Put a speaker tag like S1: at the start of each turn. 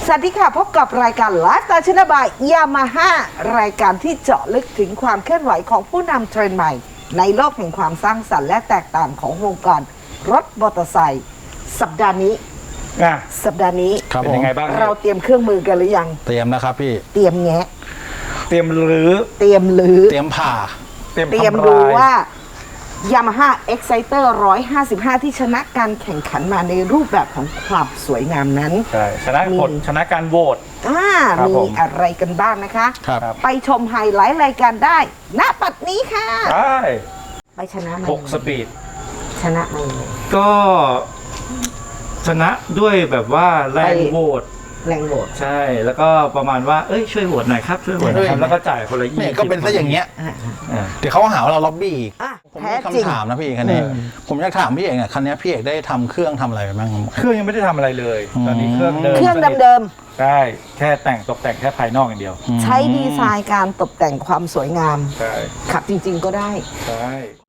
S1: สวัสดีค่ะพบกับรายการไลฟ์สไตล์ชนะบายยามาฮ่ารายการที่เจาะลึกถึงความเคลื่อนไหวของผู้นำเทรนด์ใหม่ในโลกแห่งความสร้างสรรค์และแตกต่างของวงการรถมอเตอร์ไซค์สัปดาห์นี้
S2: เป็นยังไงบ้าง
S1: เราเตรียมเครื่องมือกันหรือยัง
S3: เตรียมนะครับพี่
S1: เตรียมแงะ
S2: เตรียมรื้อ
S1: เตรียมลื้อ
S3: เตรียมผ่า
S1: เตรียมดูว่า Yamaha Exciter 155 ที่ชนะการแข่งขันมาในรูปแบบของความสวยงามนั้น
S2: ใช่ชนะผลชนะการโหวต
S1: มีอะไรกันบ้างนะคะ ไปชมไฮไลท์รายการได้ณปัดนี้ค่ะ
S2: ใช่
S1: ไปชนะมา
S2: 6 สปีด
S1: ชนะมา
S2: ก็ชนะด้วยแบบว่าแรงโหวตใช่แล้วก็ประมาณว่าช่วยโหวตหน่อยครับช่วยโหวตหน่อยครับแล้วก็จ่ายคนละ20
S3: ก็เป็นซะอย่างเงี้ยเดี๋ยวเขาหาว่าเราล็อบบี้อีกผมมีคำถามนะพี่คันนี้ผมอยากถามพี่เอกเนี่ยคันนี้พี่เอกได้ทำเครื่องทำอะไรไปบ้าง
S2: เครื่องยังไม่ได้ทำอะไรเลยตอนนี้เครื่องเ
S1: ดิม
S2: ใช่แค่แต่งตกแต่งแค่ภายนอกอย่างเดียว
S1: ใช้ดีไซน์การตกแต่งความสวยงาม
S2: ใช่
S1: ขับจริงๆก็ได้
S2: ใช่